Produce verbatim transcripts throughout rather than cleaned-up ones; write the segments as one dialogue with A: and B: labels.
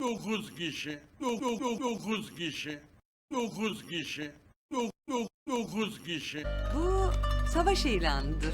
A: dokuz kişi. Dokuz kişi. Dokuz kişi. Dokuz kişi.
B: Bu savaş ilanıdır.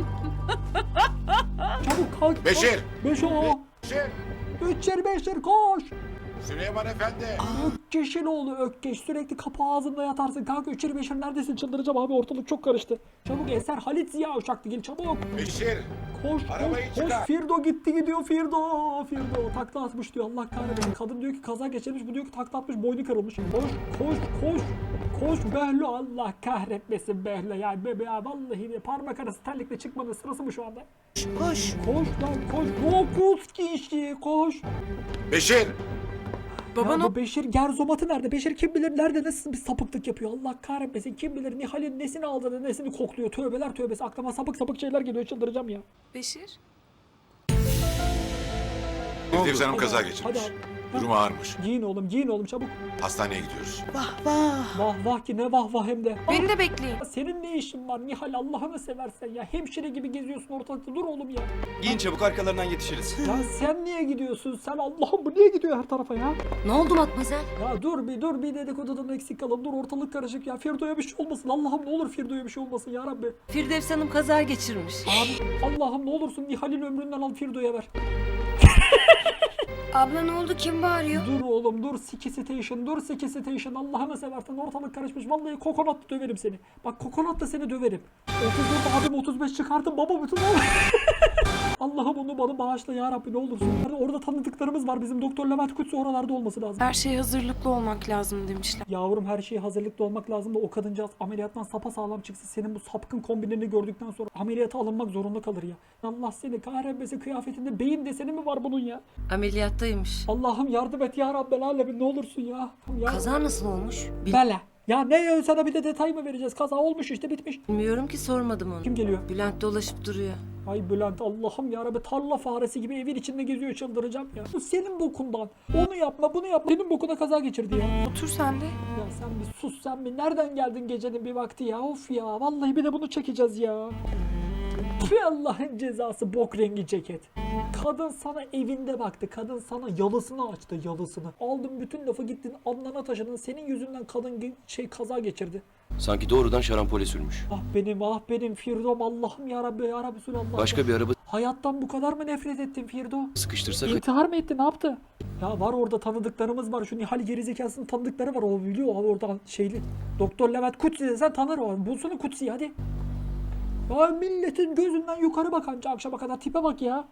C: Çabuk kalk.
D: Beşir!
C: Beş o.
D: Beşir!
C: Üçer beşer koş.
D: Süleyman Efendi!
C: Ökkeş'in oğlu Ökkeş. Sürekli kapı ağzında yatarsın. Kanka üçer beşer neredesin? Çıldıracağım abi, ortalık çok karıştı. Çabuk Eser Halit Ziya Uşaklı gel çabuk.
D: Beşir!
C: Koş
D: Arabayı
C: koş koş.
D: çıkar.
C: Firdo gitti gidiyor Firdo. Firdo takla atmış diyor, Allah kahretsin. Kadın diyor ki kaza geçirmiş, bu diyor ki takla atmış, boynu kırılmış. Koş koş koş. Koş Behlo, Allah kahretmesin Behlo ya. Bebe ya vallahi de parmak arası terlikle çıkmanın sırası mı şu anda?
B: Koş.
C: Koş lan koş. Dokuz kişi koş.
D: Beşir!
B: Baba
C: Ya
B: ne?
C: bu Beşir Gerzomat'ı nerede? Beşir kim bilir nerede, nasıl bir sapıklık yapıyor? Allah kahretmesin. Kim bilir Nihal'in nesini aldı da nesini kokluyor? Tövbeler tövbesi. Aklıma sapık sapık şeyler geliyor. Çıldıracağım ya.
B: Beşir.
D: Firdevs Hanım
C: Hadi
D: kaza
C: abi,
D: geçirmiş.
C: hadi abi.
D: Durumu ağırmış.
C: Giyin oğlum, giyin oğlum çabuk.
D: Hastaneye gidiyoruz.
B: Vah vah.
C: Vah vah ki ne vah vah hem de.
B: Beni de bekleyin.
C: Ah, senin ne işin var Nihal, Allah'ını seversen ya. Hemşire gibi geziyorsun ortalıkta, dur oğlum ya.
E: Giyin çabuk, arkalarından yetişiriz.
C: Ya sen niye gidiyorsun? Sen Allah'ım, bu niye gidiyor her tarafa ya?
B: Ne oldu Matmazel?
C: Ya dur bir dur bir dedikodudan eksik kalın. Dur, ortalık karışık ya. Firdo'ya bir şey olmasın. Allah'ım ne olur Firdo'ya bir şey olmasın ya Rabbi.
B: Firdevs Hanım kaza geçirmiş.
C: Abi Allah'ım ne olursun Nihal'in ömründen al, Firdo'ya ver.
F: Abla ne oldu? Kim bağırıyor?
C: Dur oğlum dur, Siki Station dur, Siki Station, Allah'ını seversen ortalık karışmış. Vallahi kokonatla döverim seni. Bak kokonatla seni döverim. otuz dört abim otuz beş çıkarttım baba bütün oğlum. Allah'ım onu bana bağışla ya Rabbi ne olursun. Yani orada tanıdıklarımız var bizim, Doktor Levent Kutsu oralarda olması lazım.
F: Her şeye hazırlıklı olmak lazım demişler.
C: Yavrum her şeye hazırlıklı olmak lazım da o kadıncağız ameliyattan sapasağlam çıksın. Senin bu sapkın kombinlerini gördükten sonra ameliyata alınmak zorunda kalır ya. Allah seni kahretmesin, kıyafetinde beyin deseni mi var bunun ya?
B: Ameliyattaymış.
C: Allah'ım yardım et ya Rabbel alemin ne olursun ya. ya.
B: Kaza nasıl olmuş?
C: Bele. Ya ne ya, sana bir de detay mı vereceğiz? Kaza olmuş işte, bitmiş.
B: Bilmiyorum ki, sormadım onu.
C: Kim geliyor?
B: Bülent dolaşıp duruyor.
C: Ay Bülent, Allah'ım ya Rabbi, tarla faresi gibi evin içinde geziyor, çıldıracağım ya. Bu senin bokundan. Onu yapma bunu yapma. Senin bokuna kaza geçirdi ya.
F: Otur sen de.
C: Ya sen bir sus, sen bir nereden geldin gecenin bir vakti ya, of ya. Vallahi bir de bunu çekeceğiz ya. Tüh, Allah'ın cezası, bok rengi ceket. Kadın sana evinde baktı. Kadın sana yalısını açtı, yalısını. Aldın bütün lafı gittin Adnan'a taşıdın. Senin yüzünden kadın ge- şey kaza geçirdi.
E: Sanki doğrudan şarampole sürmüş.
C: Ah benim ah benim Firdom, Allah'ım ya Rabbi ya Rabbi Sülallah.
E: Başka bir araba
C: Hayattan bu kadar mı nefret ettin Firdo?
E: sıkıştırsak...
C: İntihar mı etti, ne yaptı? Ya var orada tanıdıklarımız var. Şu Nihal gerizekasının tanıdıkları var. O biliyor abi oradan şeyli. Doktor Levent Kutsi desen tanır o. Bulsana Kutsi'yi hadi. Ya milletin gözünden yukarı bak anca akşama kadar, tipe bak ya.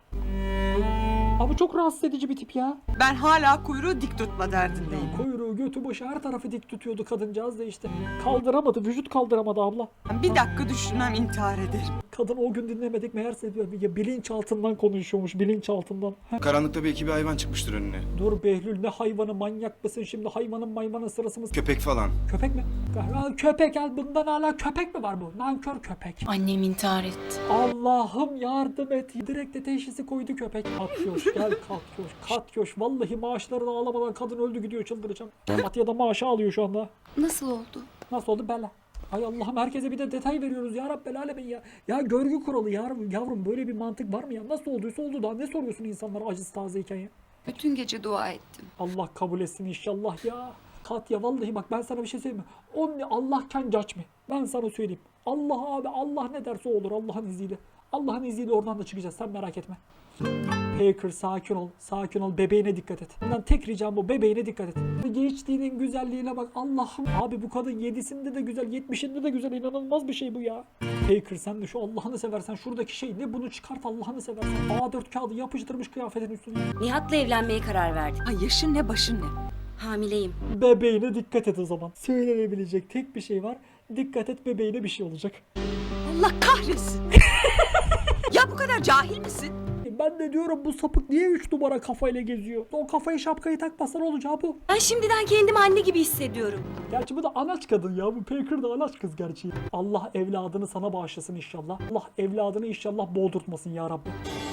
C: Abi çok rahatsız edici bir tip ya.
G: Ben hala kuyruğu dik tutma
C: Ya
G: derdindeyim.
C: kuyruğu, götü, başı her tarafı dik tutuyordu kadıncağız da işte. Kaldıramadı, vücut kaldıramadı abla.
G: Bir dakika düşünmem intihar ederim.
C: Kadın o gün dinlemedik meğerse ya bilinçaltından konuşuyormuş, bilinçaltından. Heh.
E: Karanlıkta belki bir hayvan çıkmıştır önüne.
C: Dur Behlül, ne hayvanı, manyak mısın şimdi? Hayvanın mayvanın sırası mı?
E: Köpek falan.
C: Köpek mi? Ya köpek, ya bundan hala köpek mi var bu? Nankör köpek.
F: Annem intihar etti.
C: Allah'ım yardım et. Direkt de teşhisi koydu köpek. Katyoş gel Katyoş. Katyoş vallahi maaşlarını alamadan kadın öldü gidiyor, çıldıracağım. Fatih da maaşı alıyor şu anda.
F: Nasıl oldu?
C: Nasıl oldu bela? Ay Allah'ım, herkese bir de detay veriyoruz ya Rabbel alemin ya. Ya görgü kuralı yavrum, yavrum böyle bir mantık var mı ya? Nasıl olduysa oldu, daha ne soruyorsun insanlara acısı tazeyken ya?
F: Bütün gece dua ettim.
C: Allah kabul etsin inşallah ya. Katya vallahi bak ben sana bir şey söyleyeyim mi? Only Allah can judge me. Ben sana söyleyeyim. Allah abi, Allah ne derse olur Allah'ın izniyle. Allah'ın izniyle oradan da çıkacağız, sen merak etme. Baker sakin ol, sakin ol, bebeğine dikkat et. Bundan tek ricam bu, bebeğine dikkat et. Gençliğinin güzelliğine bak Allah'ım. Abi bu kadın yedisinde de güzel, yetmişinde de güzel, inanılmaz bir şey bu ya. Baker sen de şu Allah'ını seversen şuradaki şey ne, bunu çıkart Allah'ını seversen. A dört kağıdı yapıştırmış kıyafetin üstüne.
H: Nihat'la evlenmeye karar verdim.
G: Ay yaşın ne başın ne?
H: Hamileyim.
C: Bebeğine dikkat et o zaman. Söylenebilecek tek bir şey var. Dikkat et, bebeğine bir şey olacak.
G: Allah kahretsin. Ya bu kadar cahil misin?
C: Ben de diyorum bu sapık niye üç numara kafayla geziyor? O kafayı, şapkayı takmasa ne olacağı bu?
H: Ben şimdiden kendimi anne gibi hissediyorum.
C: Gerçi bu da anaç kadın ya. Bu Baker da anaç kız gerçi. Allah evladını sana bağışlasın inşallah. Allah evladını inşallah boğdurtmasın ya Rabbi.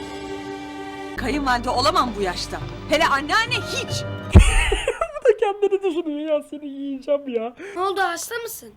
G: Kayınvalide olamam bu yaşta. Hele anneanne hiç.
C: Bu da kendini düşünüyor ya, seni yiyeceğim ya.
F: Ne oldu, hasta mısın?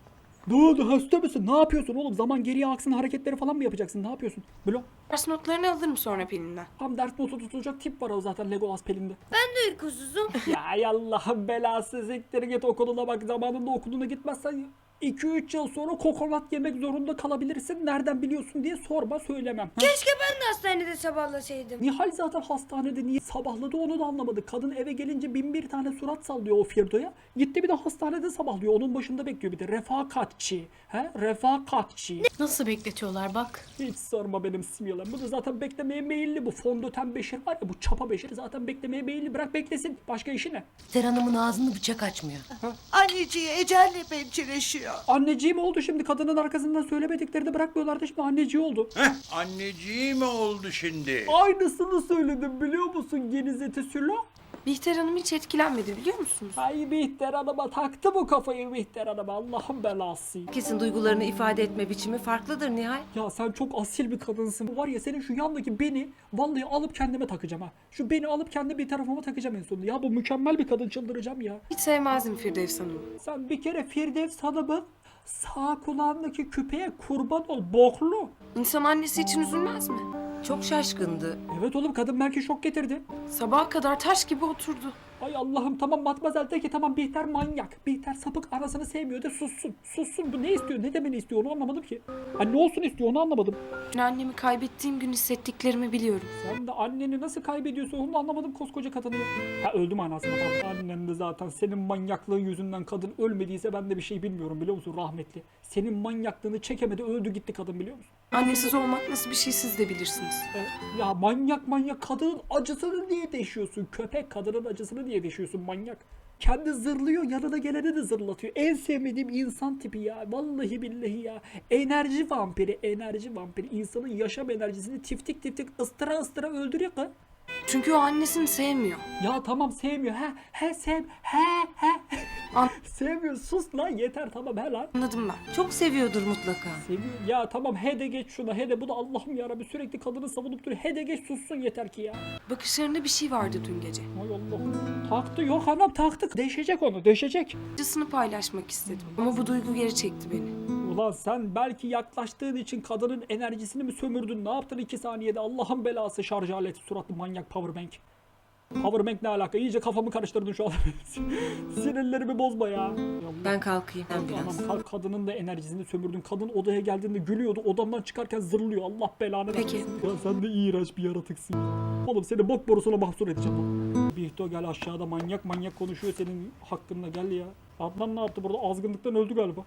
C: Ne oldu hasta mısın? Ne yapıyorsun oğlum? Zaman geriye aksın hareketleri falan mı yapacaksın? Ne yapıyorsun? Blok.
F: Ders notlarını alırım sonra Pelin'den.
C: Tam ders notu tutulacak tip var o zaten Legolas Pelin'de.
H: Uykusuzum.
C: Ya Allah'ın belası siktir git okuluna bak. Zamanında okuluna gitmezsen iki üç yıl sonra kokonat yemek zorunda kalabilirsin. Nereden biliyorsun diye sorma söylemem. Ha?
H: Keşke ben de hastanede sabahlasaydım.
C: Nihal zaten hastanede niye sabahladı onu da anlamadık. Kadın eve gelince bin bir tane surat sallıyor o Firdo'ya. Gitti bir de hastanede sabahlıyor. Onun başında bekliyor bir de. Refakatçi. He? Refakatçi.
F: Nasıl bekletiyorlar bak.
C: Hiç sorma benim simyalar. Bu da zaten beklemeye meyilli. Bu fondöten Beşir var ya, bu çapa Beşir zaten beklemeye meyilli. Bırak beklesin. Başka işi ne?
B: Ter Hanım'ın ağzını bıçak açmıyor.
G: Anneciği ecelle pençeleşiyor.
C: Anneciğim oldu şimdi. Kadının arkasından söylemedikleri de bırakmıyorlardı. Şimdi anneciği oldu.
A: Heh, anneciği mi oldu şimdi?
C: Aynısını söyledim biliyor musun Genizeti Sülo?
F: Bihter Hanım hiç etkilenmedi biliyor musunuz?
C: Ay Bihter Hanım'a taktı bu kafayı Bihter Hanım'a. Allah'ın belası.
B: Kesin duygularını ifade etme biçimi farklıdır Nihal.
C: Ya sen çok asil bir kadınsın. Var ya senin şu yandaki beni vallahi alıp kendime takacağım ha. Şu beni alıp kendi bir tarafıma takacağım en sonunda. Ya bu mükemmel bir kadın, çıldıracağım ya.
F: Hiç sevmezdim Firdevs Hanım'ı.
C: Sen bir kere Firdevs Hanım'ın sağ kulağındaki küpeye kurban ol boklu.
F: İnsan annesi için üzülmez mi?
B: Çok şaşkındı.
C: Evet oğlum kadın belki şok getirdi.
F: Sabaha kadar taş gibi oturdu.
C: Ay Allah'ım tamam Matmazel de ki tamam Bihter manyak. Bihter sapık anasını sevmiyor de sussun. Sussun bu ne istiyor ne demeni istiyor onu anlamadım ki. Ha ne olsun istiyor onu anlamadım.
F: Ben annemi kaybettiğim gün hissettiklerimi biliyorum.
C: Sen de anneni nasıl kaybediyorsun onu anlamadım koskoca kadını. Ha öldüm anasını tamam. Annen de zaten senin manyaklığın yüzünden kadın ölmediyse ben de bir şey bilmiyorum biliyor musun rahmetli. Senin manyaklığını çekemedi öldü gitti kadın biliyor musun?
F: Annesiz olmak nasıl bir şey siz de bilirsiniz.
C: E, ya manyak manyak kadının acısını niye deşiyorsun? Köpek kadının acısını niye deşiyorsun manyak? Kendi zırlıyor yanına geleni de zırlatıyor. En sevmediğim insan tipi ya. Vallahi billahi ya. Enerji vampiri, enerji vampiri. İnsanın yaşam enerjisini tiftik tiftik ıstıra ıstıra öldürüyor ki.
F: Çünkü o annesini sevmiyor.
C: Ya tamam sevmiyor. He he sev. He he.
F: An-
C: Sevmiyor. Sus lan yeter tamam he lan.
F: Anladım ben.
B: Çok seviyordur mutlaka.
C: Seviyor. Ya tamam he de geç şuna he de bu da Allah'ım yarabbi sürekli kadını savunup duruyor. He de geç sussun yeter ki ya.
F: Bakışlarında bir şey vardı dün gece.
C: Ay Allah'ım. Taktı yok anam taktık. Deşecek onu deşecek.
F: Acısını paylaşmak istedim. Ama bu duygu geri çekti beni.
C: Ulan sen belki yaklaştığın için kadının enerjisini mi sömürdün? Ne yaptın iki saniyede? Allah'ın belası şarj aleti suratlı manyak powerbank. Powerbank ne alaka? İyice kafamı karıştırdın şu an. Sinirlerimi bozma ya.
B: Ben kalkayım ben
C: Anam
B: biraz.
C: kalk kadının da enerjisini sömürdün. Kadın odaya geldiğinde gülüyordu. Odamdan çıkarken zırlıyor. Allah belanı
F: Peki.
C: versin. Ya sen de iğrenç bir yaratıksın. Oğlum seni bok borusuna mahsur edeceğim lan. Bihto gel aşağıda manyak manyak konuşuyor senin hakkında gel ya. Adnan ne yaptı burada? Azgınlıktan öldü galiba.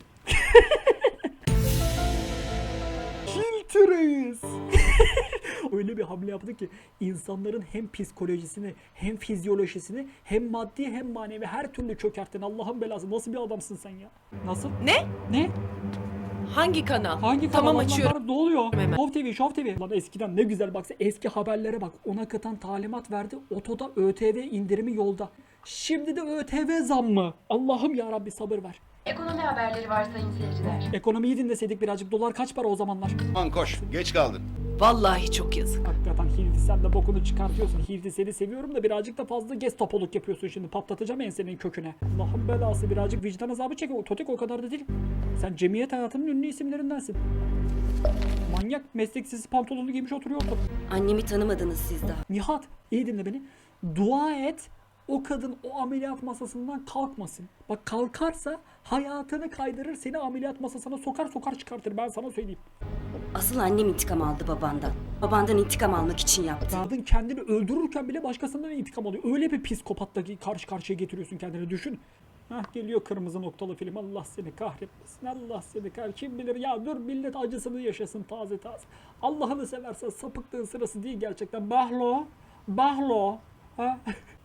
C: Reis. Öyle bir hamle yaptı ki insanların hem psikolojisini hem fizyolojisini hem maddi hem manevi her türlü çökerttin. Allah'ın belası nasıl bir adamsın sen ya? Nasıl?
G: Ne?
C: Ne?
G: Hangi kanal?
C: Hangi kanal?
G: Tamam,
C: Allah
G: açıyorum.
C: var, ne oluyor?
G: Hemen.
C: Show T V, Show T V. Lan eskiden ne güzel baksa eski haberlere bak. Ona katan talimat verdi. Otoda ÖTV indirimi yolda. Şimdi de ÖTV zammı. Allah'ım ya Rabbi sabır ver.
I: Ekonomi haberleri var sayın seyirciler.
C: Ekonomiyi dinleseydik birazcık. Dolar kaç para o zamanlar?
D: Aman koş. Geç kaldın.
G: Vallahi çok yazık.
C: Hakikaten Hildi sen de bokunu çıkartıyorsun. Hildi seni seviyorum da birazcık da fazla gez topoluk yapıyorsun şimdi. Patlatacağım ensenin köküne. Allah'ın belası birazcık vicdan azabı çekiyor. Totik o kadar da değil. Sen cemiyet hayatının ünlü isimlerindensin. Manyak mesleksiz pantolonu giymiş oturuyor ortada.
H: Annemi tanımadınız siz daha.
C: Nihat iyi dinle beni. Dua et o kadın o ameliyat masasından kalkmasın. Bak kalkarsa hayatını kaydırır seni ameliyat masasına sokar sokar çıkartır ben sana söyleyeyim.
H: Asıl annem intikam aldı babandan. Babandan intikam almak için yaptı.
C: Kadın kendini öldürürken bile başkasından intikam alıyor. Öyle bir psikopatla karşı karşıya getiriyorsun kendini düşün. Hah geliyor kırmızı noktalı film. Allah seni kahretmesin. Allah seni kahretmesin. Kim bilir ya dur millet acısını yaşasın taze taze. Allah'ını seversen sapıklığın sırası değil gerçekten. Bahlo. Bahlo. Ha?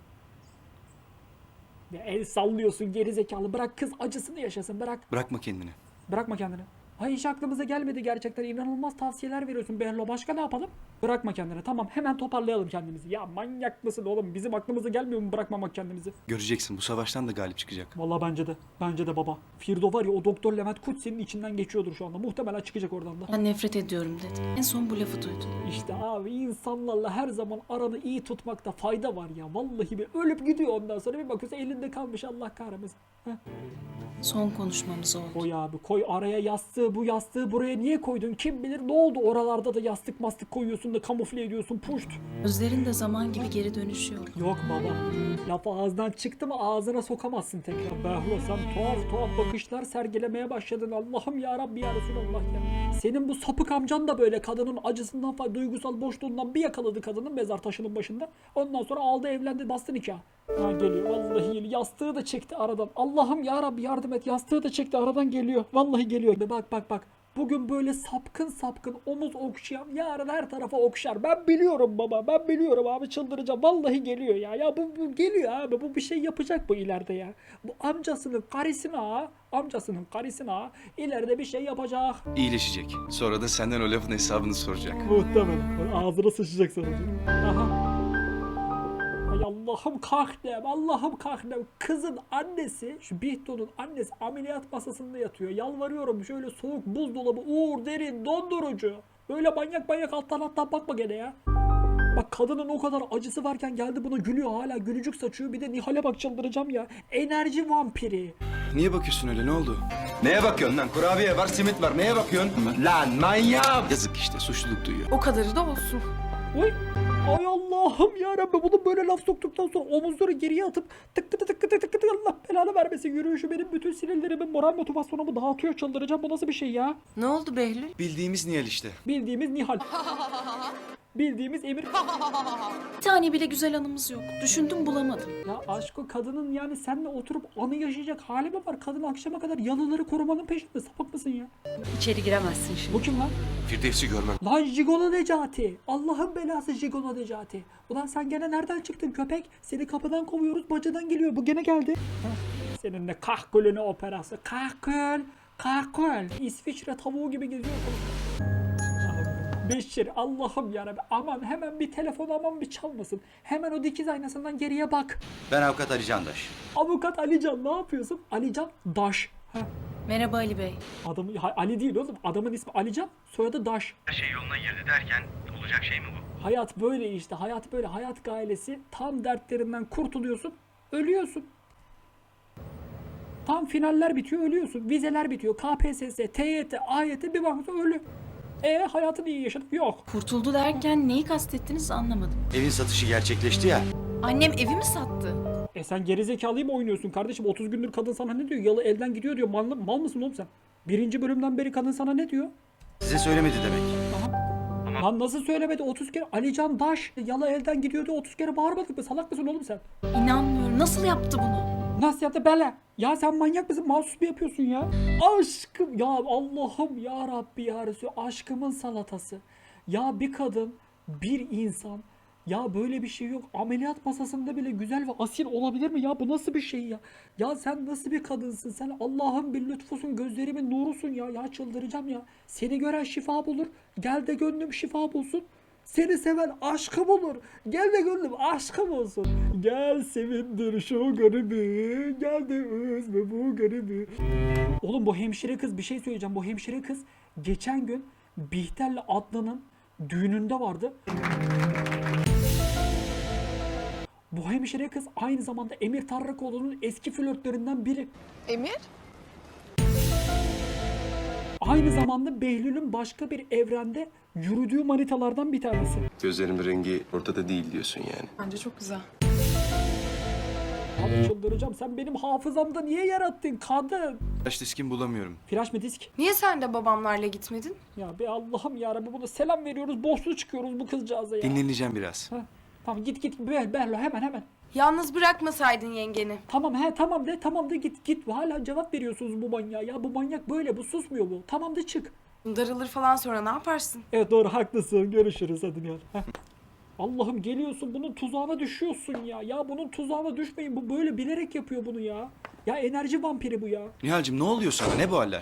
C: Ya el sallıyorsun gerizekalı. Bırak kız acısını yaşasın. Bırak.
E: Bırakma kendini.
C: Bırakma kendini. Ay hiç aklımıza gelmedi gerçekten. İnanılmaz tavsiyeler veriyorsun Behlo. Başka ne yapalım? Bırakma kendini. Tamam hemen toparlayalım kendimizi. Ya manyak mısın oğlum? Bizim aklımıza gelmiyor mu bırakmamak kendimizi?
E: Göreceksin bu savaştan da galip çıkacak.
C: Vallahi bence de. Bence de baba. Firdo var ya o Doktor Levent Kut senin içinden geçiyordur şu anda. Muhtemelen çıkacak oradan da.
F: Ben nefret ediyorum dedi. En son bu lafı duydum.
C: İşte abi insanlarla her zaman aranı iyi tutmakta fayda var ya. Vallahi bir ölüp gidiyor ondan sonra bir bakıyorsun elinde kalmış Allah kahretmesin. Heh.
F: Son konuşmamız oldu.
C: Koy abi koy araya yastığı bu yastığı buraya niye koydun kim bilir ne oldu oralarda da yastık mastık koyuyorsun da kamufle ediyorsun puşt.
F: Gözlerin de zaman gibi geri dönüşüyor.
C: Yok baba laf ağızdan çıktı mı ağzına sokamazsın tekrar. Behlo sen tuhaf tuhaf bakışlar sergilemeye başladın Allah'ım ya Rabbi ya Resulallah ya. Senin bu sapık amcan da böyle kadının acısından falan duygusal boşluğundan bir yakaladı kadının mezar taşının başında. Ondan sonra aldı evlendi bastı nikah. Ha geliyor vallahi geliyor. Yastığı da çekti aradan. Allah'ım ya Rabbi yardım et. Yastığı da çekti aradan geliyor. Vallahi geliyor. Be bak bak bak. Bugün böyle sapkın sapkın omuz okşayan yarın her tarafa okşar. Ben biliyorum baba. Ben biliyorum abi çıldıracağım. Vallahi geliyor ya. Ya bu, bu geliyor abi. Bu bir şey yapacak bu ileride ya. Bu amcasının karısına ha. Amcasının karısına ha. İleride bir şey yapacak.
E: İyileşecek. Sonra da senden o lafın hesabını soracak.
C: Muhtemelen. Ağzına sıçacak sana. Aha. Ay Allah'ım kahnem, Allah'ım kahnem. Kızın annesi, şu Bihto'nun annesi ameliyat masasında yatıyor. Yalvarıyorum şöyle soğuk buzdolabı, uğur, derin, dondurucu. Böyle manyak manyak alttan alttan bakma gene ya. Bak kadının o kadar acısı varken geldi buna gülüyor hala gülücük saçıyor. Bir de Nihal'e bak çıldıracağım ya. Enerji vampiri.
E: Niye bakıyorsun öyle ne oldu? Neye bakıyorsun lan? Kurabiye var, simit var. Neye bakıyorsun? Lan manyak! Yazık işte suçluluk duyuyor.
F: O kadarı da olsun.
C: Oy. Ay Allah'ım yarabbim bunu böyle laf soktuktan sonra omuzları geriye atıp tık tık tık tık tık tık tık Allah belanı vermesin yürüyüşü benim bütün sinirlerimin moral motivasyonumu dağıtıyor çıldıracağım bu nasıl bir şey ya?
B: Ne oldu Behlül?
E: Bildiğimiz Nihal işte.
C: Bildiğimiz Nihal. Bildiğimiz Emir.
F: Bir tane bile güzel anımız yok. Düşündüm bulamadım.
C: Ya aşkı kadının yani seninle oturup anı yaşayacak hali mi var? Kadın akşama kadar yalıları korumanın peşinde sapık mısın ya?
H: İçeri giremezsin şimdi.
C: Bu kim lan?
D: Firdevs'i görmem.
C: Lan Jigolo Necati. Allah'ın belası Jigolo Necati. Ulan sen gene nereden çıktın köpek? Seni kapıdan kovuyoruz bacadan geliyor. Bu gene geldi. Heh. Seninle kahkülüne operası. Kahkül. Kahkül. İsviçre tavuğu gibi geziyor. Beşir Allah'ım yarabbim aman hemen bir telefon aman bir çalmasın. Hemen o dikiz aynasından geriye bak.
E: Ben avukat Ali Candaş.
C: Avukat Alican ne yapıyorsun? Alican Daş. Heh.
F: Merhaba Ali Bey.
C: Adamı, ha, Ali değil oğlum. Adamın ismi Alican, soyadı Daş.
J: Her şey yoluna girdi derken olacak şey mi bu?
C: Hayat böyle işte. Hayat böyle. Hayat gailesi. Tam dertlerinden kurtuluyorsun. Ölüyorsun. Tam finaller bitiyor. Ölüyorsun. Vizeler bitiyor. K P S S, T Y T, A Y T bir bakmışsın ölü. E hayatını iyi yaşadık. Yok.
F: Kurtuldu derken neyi kastettiniz anlamadım.
E: Evin satışı gerçekleşti ya.
F: Annem evi mi sattı?
C: E sen gerizekalıyı mı oynuyorsun kardeşim? otuz gündür kadın sana ne diyor? Yalı elden gidiyor diyor. Mal, mal mısın oğlum sen? Birinci bölümden beri kadın sana ne diyor?
E: Size söylemedi demek.
C: Aha. Lan nasıl söylemedi? otuz kere Alican Daş yalı elden gidiyor diyor. otuz kere bağırmadık mı? Salak mısın oğlum sen?
F: İnanmıyorum. Nasıl yaptı bunu?
C: Nasıl yaptı bela? Ya sen manyak mısın? Mahsus mu yapıyorsun ya? Aşkım ya Allah'ım ya Rabbi ya Resul aşkımın salatası. Ya bir kadın, bir insan ya böyle bir şey yok. Ameliyat masasında bile güzel ve asil olabilir mi ya? Bu nasıl bir şey ya? Ya sen nasıl bir kadınsın? Sen Allah'ın bir lütfusun, gözlerimin nurusun ya. Ya çıldıracağım ya. Seni gören şifa bulur. Gel de gönlüm şifa bulsun. Seni seven aşkım olur. Gel de gönlüm aşkım olsun. Gel sevindir şu garibi. Gel de üzme bu garibi. Oğlum bu hemşire kız bir şey söyleyeceğim. Bu hemşire kız geçen gün Bihter'le Adnan'ın düğününde vardı. Bu hemşire kız aynı zamanda Emir Tarrakoğlu'nun eski flörtlerinden biri.
F: Emir?
C: Aynı zamanda Behlül'ün başka bir evrende yürüdüğü manitalardan bir tanesi.
E: Gözlerimin rengi ortada değil diyorsun yani.
F: Bence çok güzel.
C: Abi çıldıracağım. Sen benim hafızamda niye yarattın kadın?
E: Flash diskim bulamıyorum.
C: Flash mı disk?
F: Niye sen de babamlarla gitmedin?
C: Ya be Allah'ım yarabbim buna selam veriyoruz. Borçlu çıkıyoruz bu kızcağıza ya.
E: Dinleneceğim biraz.
C: Heh. Tamam git git Ber Berlo hemen hemen.
F: Yalnız bırakmasaydın yengeni.
C: Tamam he tamam de tamam de git git. Hala cevap veriyorsunuz bu manyağa. Ya bu manyak böyle bu susmuyor bu. Tamam de çık.
F: Darılır falan sonra ne yaparsın?
C: Evet doğru haklısın. Görüşürüz hadi Nihal. Heh. Allah'ım geliyorsun bunun tuzağına düşüyorsun ya. Ya bunun tuzağına düşmeyin. Bu böyle bilerek yapıyor bunu ya. Ya enerji vampiri bu ya.
E: Nihal'cim ne oluyor sana? Ne bu haller?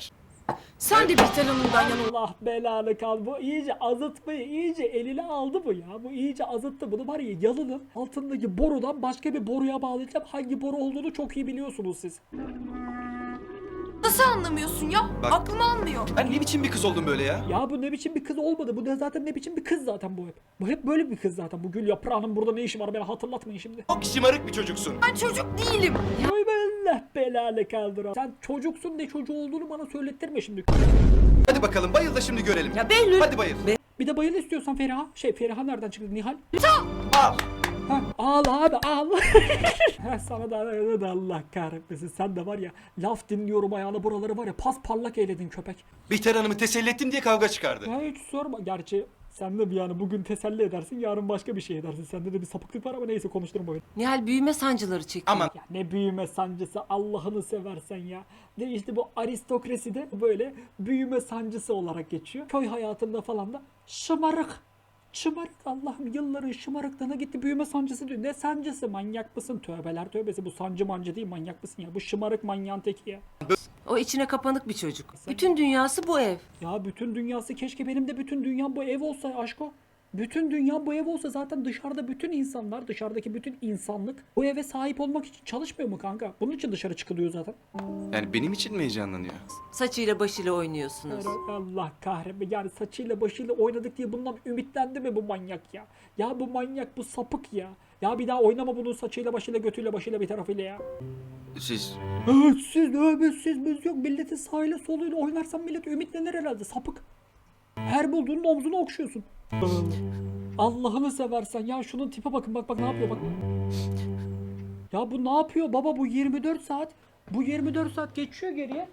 F: Sen de Bihter Hanım'dan yana
C: Allah belanı kal. Bu iyice azıtmayı iyice eline aldı bu ya. Bu iyice azıttı. Bunu var ya yalının altındaki borudan başka bir boruya bağlayacağım. Hangi boru olduğunu çok iyi biliyorsunuz siz.
F: nasıl anlamıyorsun ya?
E: Bak.
F: Aklım almıyor.
E: Ben ne biçim bir kız oldum böyle ya?
C: Ya bu ne biçim bir kız olmadı. Bu ne zaten ne biçim bir kız zaten bu hep. Bu hep böyle bir kız zaten. Bu Gül Yaprağı'nın burada ne işi var beni hatırlatmayın şimdi.
E: Çok şımarık bir çocuksun.
F: Ben çocuk değilim.
C: Ay Allah belanı kaldır. Sen çocuksun ne çocuğu olduğunu bana söylettirme şimdi.
E: Hadi bakalım bayıl da şimdi görelim.
G: Ya Behlül.
E: Hadi bayıl.
C: Bir de bayıl istiyorsan Feriha. Şey Feriha nereden çıktı Nihal?
E: Al.
C: Ha, ağla abi ağla. Heh, sana da, da Allah kahretmesin. Sen de var ya laf dinliyorum ayağına buraları var ya pas parlak eyledin köpek.
E: Bihter Hanım'ı teselli ettim diye kavga çıkardı.
C: Ya hiç sorma. Gerçi sen de bir yani bugün teselli edersin yarın başka bir şey edersin. Sende de bir sapıklık var ama neyse konuşturma beni.
B: Nihal büyüme sancıları çekiyor.
E: Aman.
C: Ya ne büyüme sancısı Allah'ını seversen ya. Ne işte bu aristokrasi de böyle büyüme sancısı olarak geçiyor. Köy hayatında falan da şımarık. Şımarık Allah'ım yılların şımarıklığına gitti büyüme sancısı diyor. Ne sancısı manyak mısın? Tövbeler tövbesi bu sancı mancı değil manyak mısın ya? Bu şımarık manyağın teki ya.
B: O içine kapanık bir çocuk. Bütün dünyası bu ev.
C: Ya bütün dünyası keşke benim de bütün dünyam bu ev olsa aşko. Bütün dünya bu ev olsa zaten dışarıda bütün insanlar, dışarıdaki bütün insanlık bu eve sahip olmak için çalışmıyor mu kanka? Bunun için dışarı çıkılıyor zaten.
E: Yani benim için mi heyecanlanıyor?
B: Saçıyla başıyla oynuyorsunuz.
C: Allah kahretme yani saçıyla başıyla oynadık diye bundan ümitlendi mi bu manyak ya? Ya bu manyak bu sapık ya. Ya bir daha oynama bunun saçıyla başıyla götüyle başıyla bir tarafıyla ya.
E: Siz...
C: Evet siz evet siz biz yok milletin sağıyla soluyla oynarsan millet ümitlenir herhalde sapık. Her bulduğunun omzunu okşuyorsun. Allah'ını seversen ya şunun tipe bakın bak bak ne yapıyor bak. Ya bu ne yapıyor baba bu yirmi dört saat. Bu yirmi dört saat geçiyor geriye.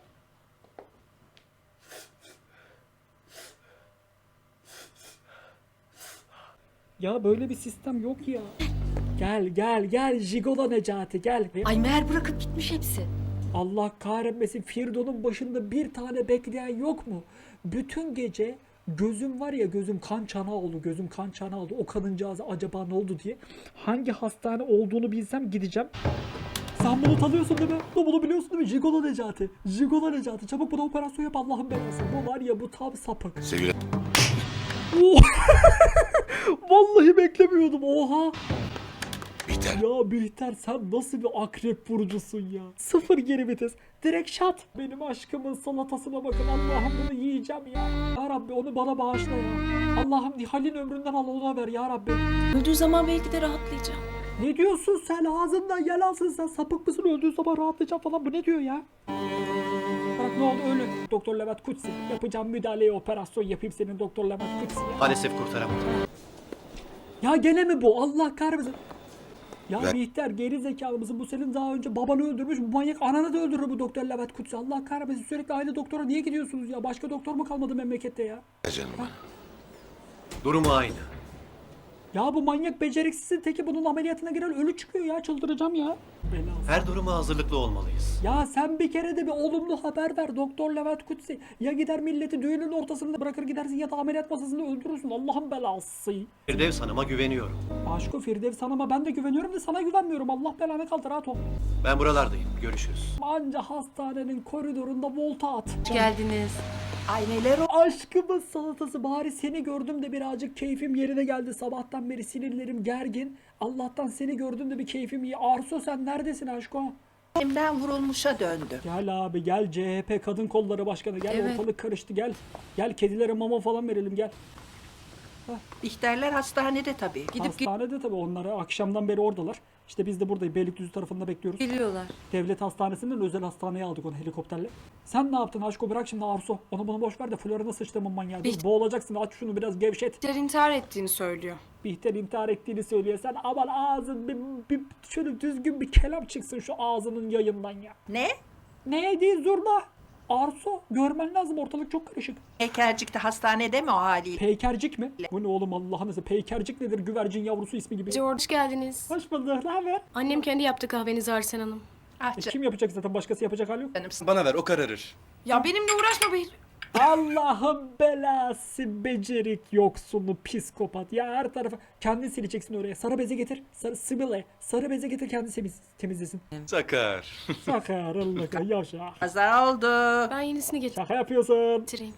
C: Ya böyle bir sistem yok ya. Gel gel gel Jigola Necati gel.
G: Ay meğer bırakıp gitmiş hepsi.
C: Allah kahretmesin Firdon'un başında bir tane bekleyen yok mu? Bütün gece gözüm var ya gözüm kan çanağı oldu gözüm kan çanağı oldu o kadıncağıza acaba ne oldu diye. Hangi hastane olduğunu bilsem gideceğim. Sen bunu tanıyorsun değil mi? Bunu biliyorsun değil mi? Jigola Necati. Jigola Necati. Çabuk buna operasyon yap Allah'ın belası. Bu var ya bu tam sapık.
D: Sevgili
C: Vallahi beklemiyordum oha.
D: Bihter.
C: Ya Bihter sen nasıl bir akrep burcusun ya? Sıfır geri vites. Direkt şat. Benim aşkımın salatasına bakın. Allah'ım bunu yiyeceğim ya. Ya Rabbi onu bana bağışla ya. Allah'ım Nihal'in ömründen al ona ver ya Rabbi.
F: Öldüğü zaman belki de rahatlayacağım.
C: Ne diyorsun sen ağzından yalansın sen sapık mısın öldüğün zaman rahatlayacağım falan bu ne diyor ya? Bak ne oldu ölün. Doktor Levent Kutsi. Yapacağım müdahaleyi operasyon yapayım senin Doktor Levent Kutsi ya.
J: Maalesef kurtaramadım.
C: Ya gene mi bu? Allah kahretsin. Ya
D: Ver.
C: Bihter geri zekalı mısın? Bu senin daha önce babanı öldürmüş. Bu manyak ananı da öldürür bu Doktor Levent Kutsi. Allah kahretsin sürekli aynı doktora niye gidiyorsunuz ya? Başka doktor mu kalmadı memlekette ya?
D: Ya canım.
J: Durumu aynı.
C: Ya bu manyak beceriksizin teki bunun ameliyatına giren ölü çıkıyor ya. Çıldıracağım ya. Belası.
J: Her duruma hazırlıklı olmalıyız.
C: Ya sen bir kere de bir olumlu haber ver Doktor Levent Kutsi. Ya gider milleti düğünün ortasında bırakır gidersin ya da ameliyat masasında öldürürsün. Allah'ın belası.
J: Firdevs Hanım'a güveniyorum.
C: Aşko Firdevs Hanım'a ben de güveniyorum da sana güvenmiyorum. Allah belanı kaldır rahat ol.
J: Ben buralardayım. Görüşürüz.
C: Anca hastanenin koridorunda volta at.
B: Hoş geldiniz.
G: Ay neler o.
C: Aşkımın salatası bari seni gördüm de birazcık keyfim yerine geldi. Sabahtan beri sinirlerim gergin. Allah'tan seni gördüm de bir keyfim iyi. Arso sen neredesin aşko?
G: Elimden vurulmuşa döndüm.
C: Gel abi gel C H P Kadın Kolları Başkanı gel
B: Evet.
C: ortalık karıştı gel. Gel kedilere mama falan verelim gel.
G: Bihterler hastanede tabii.
B: Gidip
C: Hastanede tabii onları akşamdan beri oradalar. İşte biz de buradayız Beylikdüzü tarafında bekliyoruz.
B: geliyorlar.
C: Devlet hastanesinden özel hastaneye aldık onu helikopterle. Sen ne yaptın aşko bırak şimdi Arso. Onu bunu boş ver de Florina sıçtığımın manyağı. Dur,
F: Biht-
C: boğulacaksın aç şunu biraz gevşet.
F: Bihter intihar ettiğini söylüyor.
C: Bihter intihar ettiğini söylüyor. Sen aman ağzın bir, bir şöyle düzgün bir kelam çıksın şu ağzının yayından ya.
G: Ne?
C: Ne değil zurna. Arso görmen lazım ortalık çok karışık.
G: Heykelcik'te hastanede mi o haliyle?
C: Peykercik mi? Bu ne oğlum Allah'ını seversen. Peykercik nedir? Güvercin yavrusu ismi gibi.
F: George hoş geldiniz.
C: Hoş bulduk. Ne haber?
F: Annem kendi yaptı kahvenizi Arsen Hanım.
G: Ah
C: E,
G: canım
C: kim yapacak zaten? Başkası yapacak hali yok.
G: canım.
E: Bana ver o kararır.
F: Ya benimle uğraşma Behlül.
C: Allah'ın belası becerik yoksunu psikopat. Ya her tarafa kendin sileceksin oraya. Sarı beze getir. Sarı sibile. Sarı beze getir kendisi temiz, temizlesin.
E: Sakar.
C: Sakarlık yavşak.
G: Kaza oldu.
F: Ben yenisini
C: Şaka yapıyorsun.
F: getireyim.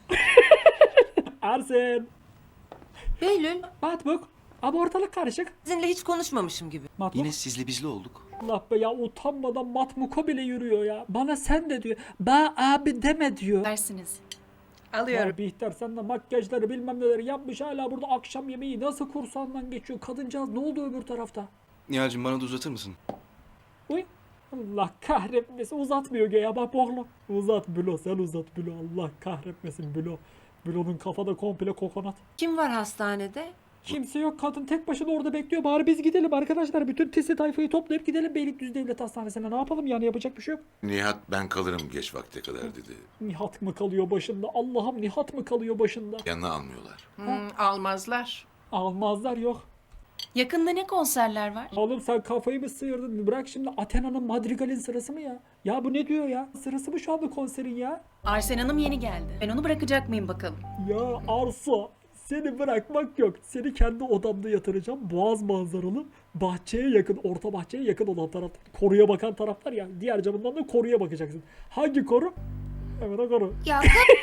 C: Ersin.
B: Behlül,
C: Matbuk. Ama ortalık karışık.
B: sizinle hiç konuşmamışım gibi.
C: Matbuk.
E: Yine sizli bizli olduk.
C: Allah be ya utanmadan matmuka bile yürüyor ya. Bana sen de diyor. Ba abi deme diyor.
F: Dersiniz.
G: Alıyorum.
C: Ya Bihter sen de makyajları bilmem neleri yapmış hala burada akşam yemeği nasıl kursağından geçiyor. Kadıncağız ne oldu öbür tarafta?
E: Nihal'cim bana da uzatır mısın?
C: Uy. Allah kahretmesin uzatmıyor ya bak boğlu. Uzat Bülo sen uzat Bülo Allah kahretmesin Bülo. Bülo'nun kafada komple kokonat.
B: Kim var hastanede?
C: Kimse yok kadın tek başına orada bekliyor. Bari biz gidelim arkadaşlar. Bütün tisi tayfayı toplayıp gidelim Beylikdüzü Devlet Hastanesi'ne. Ne yapalım yani yapacak bir şey yok.
D: Nihat ben kalırım geç vakte kadar dedi.
C: Nihat mı kalıyor başında? Allah'ım Nihat mı kalıyor başında?
D: Yanına almıyorlar.
G: Hmm, almazlar.
C: Almazlar yok.
F: Yakında ne konserler var?
C: Oğlum sen kafayı mı sıyırdın? Bırak şimdi Athena'nın Madrigal'in sırası mı ya? Ya bu ne diyor ya? Sırası mı şu anda konserin ya?
F: Arsen Hanım yeni geldi. Ben onu bırakacak mıyım bakalım?
C: Ya Arso seni bırakmak yok. Seni kendi odamda yatıracağım. Boğaz manzaralı bahçeye yakın, orta bahçeye yakın olan taraf. Koruya bakan taraflar ya. Diğer camından da koruya bakacaksın. Hangi koru? Evet o koru.
F: Ya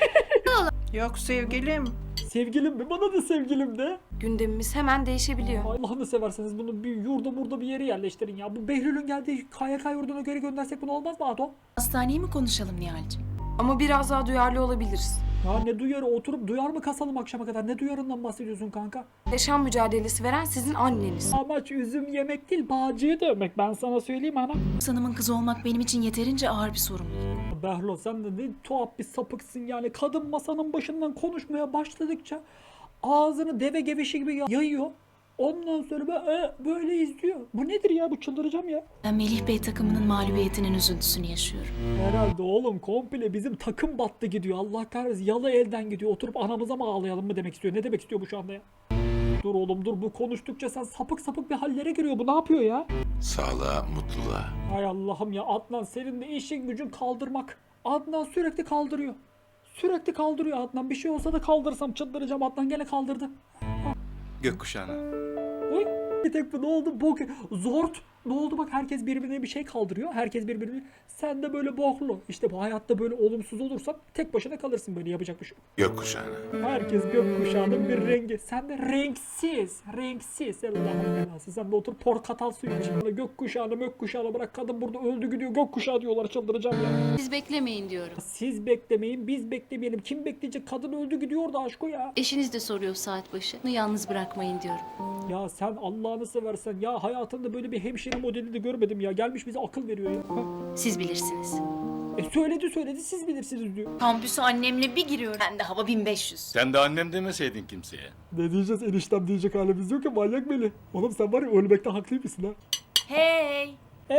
G: Yok sevgilim.
C: Sevgilim mi? Bana da sevgilim de.
F: gündemimiz hemen değişebiliyor.
C: Allah'ını severseniz bunu bir yurda burada bir yere yerleştirin ya. Bu Behlül'ün geldiği K Y K yurduna göre göndersek bunu olmaz mı Ato?
F: Hastaneyi mi konuşalım Nihal'cim?
B: Ama biraz daha duyarlı olabiliriz.
C: Ya ne duyarı oturup duyar mı kasalım akşama kadar? Ne duyarından bahsediyorsun kanka?
F: Yaşam mücadelesi veren sizin anneniz.
C: Amaç üzüm yemek değil bağcıyı dövmek. Ben sana söyleyeyim ana.
F: Hanım'ın kızı olmak benim için yeterince ağır bir sorumluluk.
C: Behlo sen de ne tuhaf bir sapıksın yani. Kadın masanın başından konuşmaya başladıkça ağzını deve gevişi gibi yayıyor. Ondan sonra böyle, böyle izliyor. Bu nedir ya? Bu çıldıracağım ya.
F: Ben Melih Bey takımının mağlubiyetinin üzüntüsünü yaşıyorum.
C: Herhalde oğlum komple bizim takım battı gidiyor. Allah kahretsin yalı elden gidiyor. Oturup anamıza mı ağlayalım mı demek istiyor. Ne demek istiyor bu şu anda ya? Dur oğlum dur bu konuştukça sen sapık sapık bir hallere giriyor. Bu ne yapıyor ya?
D: Sağlığa, mutluluğa.
C: Hay Allah'ım ya Adnan senin de işin gücün kaldırmak. Adnan sürekli kaldırıyor. Sürekli kaldırıyor Adnan. Bir şey olsa da kaldırsam çıldıracağım. Adnan gene kaldırdı.
E: Gökkuşağına.
C: Oy. Bir tek bu ne oldu? Bok. Zort. Ne oldu bak herkes birbirine bir şey kaldırıyor. Herkes birbirine. Sen de böyle boklu. İşte bu hayatta böyle olumsuz olursan tek başına kalırsın böyle yapacak bir şey yok.
D: Gökkuşağına.
C: Herkes gökkuşağının bir rengi. Sen de renksiz. Renksiz. Allah'ın belası. Sen de otur portakal suyu iç. Böyle gökkuşağını mökkuşağını bırak. Kadın burada öldü gidiyor. Gökkuşağı diyorlar. Çıldıracağım ya.
F: Siz beklemeyin diyorum.
C: Siz beklemeyin. Biz beklemeyelim. Kim bekleyecek? Kadın öldü gidiyor da aşkı ya.
F: Eşiniz de soruyor saat başı. Yalnız bırakmayın diyorum.
C: Ya sen Allah'ını seversen ya hayatımda böyle bir hemşire modeli de görmedim ya. Gelmiş bize akıl veriyor ya. Ha?
F: Siz bilirsiniz.
C: E söyledi söyledi siz bilirsiniz diyor.
F: Kampüse annemle bir giriyorum. Ben de hava bin beş yüz.
D: Sen de annem demeseydin kimseye.
C: Ne diyeceğiz eniştem diyecek halimiz yok ya manyak Melih. Oğlum sen var ya ölmekte haklıymışsın ha.
F: Hey!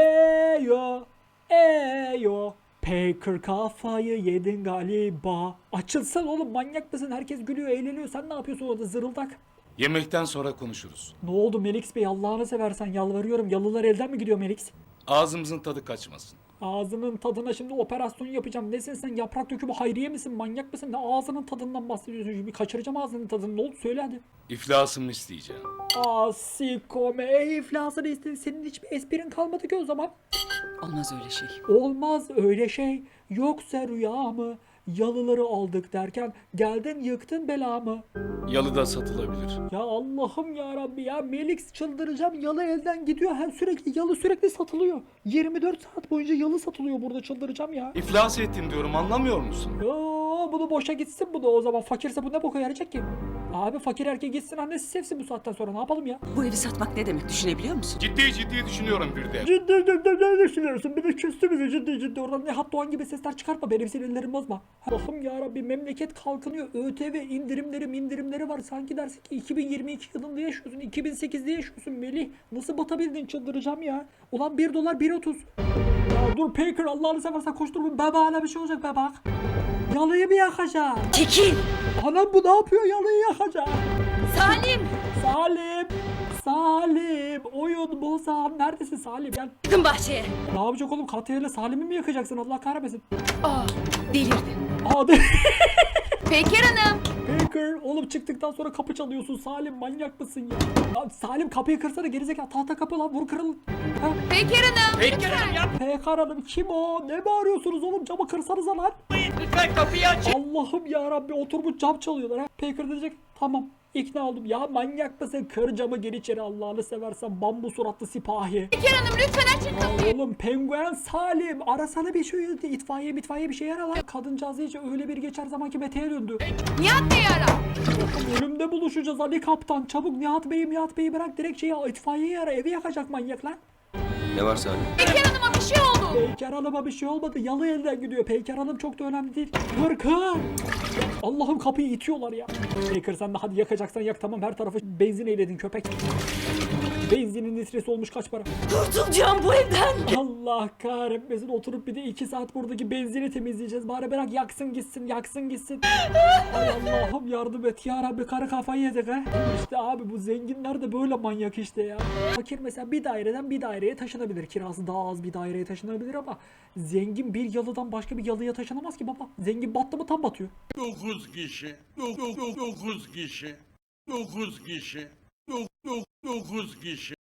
C: Eyo, eyo. Packer kafayı yedin galiba. Açılsan oğlum manyak mısın? Herkes gülüyor eğleniyor. Sen ne yapıyorsun orada zırıldak?
D: Yemekten sonra konuşuruz.
C: Ne oldu Melix Bey Allah'ını seversen yalvarıyorum. Yalılar elden mi gidiyor Melix?
D: Ağzımızın tadı kaçmasın.
C: Ağzının tadına şimdi operasyon yapacağım. Nesin sen yaprak dökümü Hayriye misin? Manyak mısın? Ne ağzının tadından bahsediyorsun? Şimdi kaçıracağım ağzının tadını. Ne oldu? Söyle hadi.
D: İflasımı isteyeceğim.
C: Asikome. E iflasını istedin. Senin hiçbir esprin kalmadı ki o zaman.
G: Olmaz öyle şey.
C: Olmaz öyle şey. Yoksa rüya mı? Yalıları aldık derken geldin yıktın belamı.
D: Yalıda satılabilir.
C: Ya Allah'ım ya Rabbi ya Melix çıldıracağım. Yalı elden gidiyor. Her sürekli yalı sürekli satılıyor. yirmi dört saat boyunca yalı satılıyor burada çıldıracağım ya.
D: İflas ettim diyorum anlamıyor musun?
C: Yo bunu boşa gitsin bu da o zaman. Fakirse bu ne boka yarayacak ki? Abi fakir erkek gitsin annesi sevsin bu saatten sonra ne yapalım ya?
G: Bu evi satmak ne demek düşünebiliyor musun?
D: Ciddi ciddi düşünüyorum bir de.
C: Ciddi ciddi ne düşünüyorsun? Bir de küstü bizi ciddi ciddi. Oradan Nihat Doğan gibi sesler çıkartma. Benim sinirlerimi bozma. Allah'ım yarabbi memleket kalkınıyor. ÖTV indirimleri indirimleri var. Sanki dersin ki iki bin yirmi iki yılında yaşıyorsun. iki bin sekizde yaşıyorsun Melih. Nasıl batabildin çıldıracağım ya. Ulan bir dolar bir otuz. Ya dur Packer Allah'ını seversen koştur. Bebeğine bir şey olacak bebek. Yalıyı mı yakacak?
G: Çekil!
C: Anam bu ne yapıyor yalıyı yakacak?
G: Salim!
C: Salim! Salim! Oyun bozan. Neredesin Salim? Gel.
G: Çıkın bahçeye.
C: Ne yapacak oğlum? Katıyla Salim'i mi yakacaksın? Allah kahretmesin.
F: Aa, delirdi.
C: Aa de-
F: Peker Hanım.
C: Baker oğlum çıktıktan sonra kapı çalıyorsun Salim manyak mısın ya? Ya Salim kapıyı kırsana gerizekalı tahta kapı lan vur kırıl. Ha?
F: Peker Hanım. Peker Hanım.
C: Peker Hanım kim o? Ne bağırıyorsunuz oğlum camı kırsanıza lan.
A: Lütfen kapıyı aç.
C: Allah'ım ya Rabbi oturmuş cam çalıyorlar ha. Peker diyecek tamam ikna oldum. Ya manyak mısın? Kır camı gir içeri Allah'ını seversen bambu suratlı sipahi.
F: Peker Hanım lütfen açın kapıyı.
C: Ya oğlum penguen Salim arasana bir şey itfaiye mitfaiye bir şey ara lan. Kadıncağız iyice öyle bir geçer zamanki Mete'ye döndü.
F: Nihat Bey'i ara.
C: Ölümde buluşacağız Ali Kaptan. Çabuk Nihat Bey'i Nihat Bey'i bırak direkt şeyi itfaiyeyi ara evi yakacak manyak lan.
E: Ne var Salim?
F: Peker Hanım'a bir şey oldu.
C: Peyker Hanım'a bir şey olmadı. Yalı elden gidiyor. Peyker Hanım çok da önemli değil. Kır kır. Allah'ım kapıyı itiyorlar ya. Peyker sen de hadi yakacaksan yak tamam her tarafı benzin eyledin köpek. Benzinin litresi olmuş kaç para?
H: Kurtulacağım bu evden.
C: Allah kahretmesin oturup bir de iki saat buradaki benzini temizleyeceğiz. Bari bırak yaksın gitsin yaksın gitsin. Ay Allah'ım yardım et ya Rabbi karı kafayı yedik ha. İşte abi bu zenginler de böyle manyak işte ya. Fakir mesela bir daireden bir daireye taşınabilir. Kirası daha az bir daireye taşınabilir ama zengin bir yalıdan başka bir yalıya taşınamaz ki baba. Zengin battı mı tam batıyor.
A: Dokuz kişi. Dokuz, dokuz kişi. Dokuz kişi. Dokuz, dokuz kişi.